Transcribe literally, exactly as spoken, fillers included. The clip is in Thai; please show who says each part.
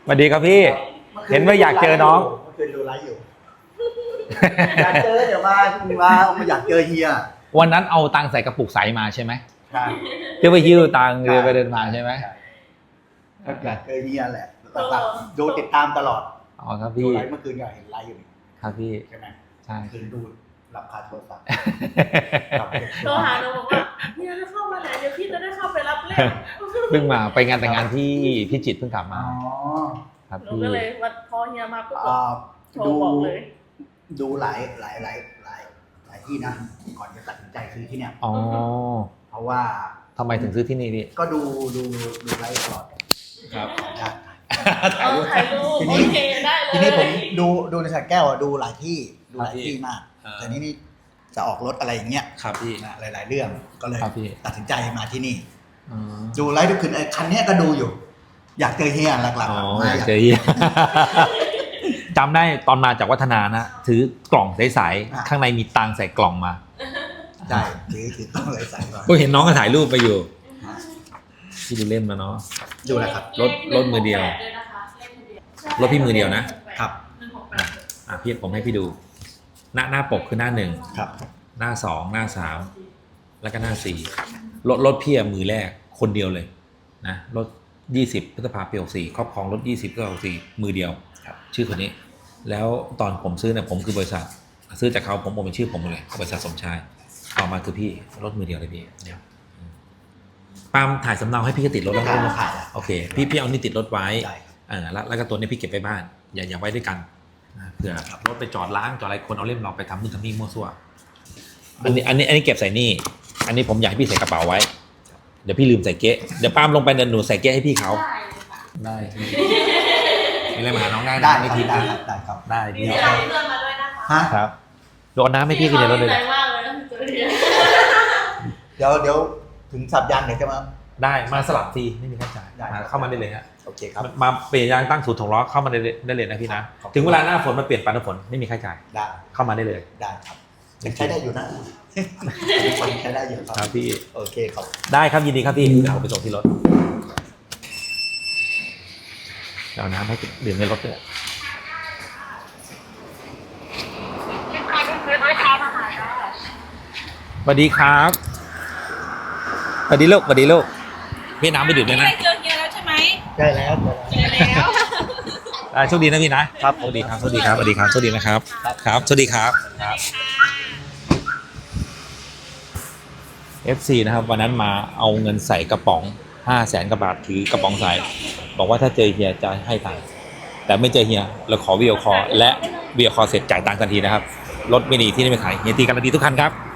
Speaker 1: สวัสดีครับพี่เห็นว่าอยากเจอน้อง
Speaker 2: เมื่อคืนดูไลฟ์อยู่อยากเจอเดี๋ยวมามามาอยากเจอเฮีย
Speaker 1: วันนั้นเอาตังค์ใส่กระปุกใสมาใช่ไหม
Speaker 2: ใช่
Speaker 1: เดี๋ยวไปยิ้วตังค์เดินไปเดินมาใช่ไหม
Speaker 2: อยากเจอเฮียแหละแบบดูติดตามตลอด
Speaker 1: อ๋อครับ
Speaker 2: ดู
Speaker 1: พี่
Speaker 2: ไลฟ์เมื่อคืนก็เห็นไลฟ์อยู่
Speaker 1: ครับพี่
Speaker 2: ใช่ไหม
Speaker 1: ใช่
Speaker 2: คืนดูรับคาโทรศัพท์
Speaker 3: โทรหาเราบอกว่าเฮียจะเข้ามาไหนเดี๋ยวพี่จะได้เข้าไปรับเล่น
Speaker 1: เพิ่งมาไปงานแต่งงานที่พิจิตรเพิ่งกลับมาครับ
Speaker 3: หนู
Speaker 1: พี่
Speaker 3: ก็เลยวันพอเฮียมาปุ๊บโทร
Speaker 2: ดู
Speaker 3: บอกเลย
Speaker 2: ดูหลายหลายหลายหลายหลายที่นะก่อนจะตัดสินใจซื้อที่เนี่ย
Speaker 1: อ๋อ
Speaker 2: เพราะว่า
Speaker 1: ทำไมถึงซื้อที่นี่พี่
Speaker 2: ก็ดูดูดูไลฟ์ตลอด
Speaker 1: ครับ
Speaker 3: ถ่ายรูปถ่ายรูปโอเคได้เลย
Speaker 2: ทีนี้ผมดูดูในสระแก้วดูหลายที่ดูหลายที่มากแต่นี้นี่จะออกรถอะไรอย่างเงี้ย
Speaker 1: ครับพี่
Speaker 2: หลายๆเรื่องก็เลยตัดสินใจมาที่นี่ดูไลฟ์ทุกคืนไอ้คันนี้ก็ดูอยู่อยากเจอเฮียหลักๆ
Speaker 1: อ๋ออยากเจอเฮียจำได้ตอนมาจากวัฒนานะถือกล่องใสๆข้างในมีตังใส่กล่องมา
Speaker 2: ใช่ถือถือกล่องใสๆมา
Speaker 1: ก็เห็นน้องก็ถ่ายรูปไปอยู่ที่ดูเล่นมาเนาะ
Speaker 2: ดูอะไรครับ
Speaker 1: รถรถมือเดียวรถพี่มือเดียวนะครับอ่ะพี่ผมให้พี่ดูหน้าหน้าปกคือหน้าหนึ่ง
Speaker 2: ครับ
Speaker 1: หน้าสองหน้าสามแล้วก็หน้าสี่รถรถพี่มือแรกคนเดียวเลยนะรถยี่สิบพฤษภาปีหกสี่ครอบครองรถยี่สิบพฤษภาหกสี่มือเดียวชื่อคนนี้แล้วตอนผมซื้อเนี่ยผมคือบริษัทซื้อจากเขาผมผมเป็นชื่อผมเลยบริษัทสมชายต่อมาคือพี่รถมือเดียวเลยพี่ปาล์มถ่ายสำเนาให้พี่ก็ติดรถแล้วนะโอเคพี่พี่เอานี่ติดรถไว้เออแล้วแล้วก็ตัวนี้พี่เก็บไปบ้านอย่าอย่าไว้ด้วยกันเผื่อรถไปจอดล้างจอดอะไรคนเอาเล่มเราไปทำนู่นทำนี่มั่วซั่วอันนี้อันนี้อันนี้เก็บใส่นี่อันนี้ผมอยากให้พี่ใส่กระเป๋าไว้เดี๋ยวพี่ลืมใส่เก๊ะเดี๋ยวปาล์มลงไปเดินหนูใส่เก๊ะให้พี่เขาได้มีอะไรมาหาน้องได้
Speaker 2: ได้
Speaker 1: ไม่ทิ้ง
Speaker 2: ได้ครับได้ครับ
Speaker 1: ได้พี่
Speaker 3: มีอะไรเพื่อนมาด้วยนะคะ
Speaker 1: ครับโดนน้ำให้พี่กินในรถเลย
Speaker 2: เดี๋ยวเดี๋ยวถึงสับยางเดี๋ยวจะมา
Speaker 1: ได้มาสลับฟรีไม่มีค่าจ่ายเข้ามาได้เลยฮะ
Speaker 2: โอเคครับ
Speaker 1: มาเปลี่ยนยางตั้งศูนย์ถงล้อเข้ามาได้ได้เลยนะพี่นะถึงเวลาหน้าฝนมาเปลี่ยนปานฝนไม่มีค่าจ่าย
Speaker 2: ได้
Speaker 1: เข้ามาได้เลย
Speaker 2: ได้ครับใช้ได้อยู่นะใช้ได้อยู่
Speaker 1: ครับพี่
Speaker 2: โอเคครับ
Speaker 1: ได้ครับยินดีครับพี่เดี๋ยวผมไปส่งที่รถเอาน้ำให้ดื่มในรถด้วยสวัสดีครับสวัสดีลูกสวัสดีลูกพี่น้ำไปดื่มด้วยนะ
Speaker 3: เจอเฮียแล้วใช่ไหม
Speaker 2: ใช่แล้ว
Speaker 3: เจอแล้ว
Speaker 1: ได้โชคดีนะพี่นะครับสวัสดีครับสวัสดีครับสวัสดีครับสวัสดีนะครับครับสวัสดีครับครับ เอฟ ซี นะครับวันนั้นมาเอาเงินใส่กระป๋องห้าแสนกว่าบาทถือกระป๋องใส่บอกว่าถ้าเจอเฮียจะให้ตังค์แต่ไม่เจอเฮียเราขอวิดีโอคอลและวิดีโอคอลเสร็จจ่ายตังค์ทันทีนะครับรถไม่ดีที่นี่ไม่ขายเฮียตีกันดีทุกคันครับ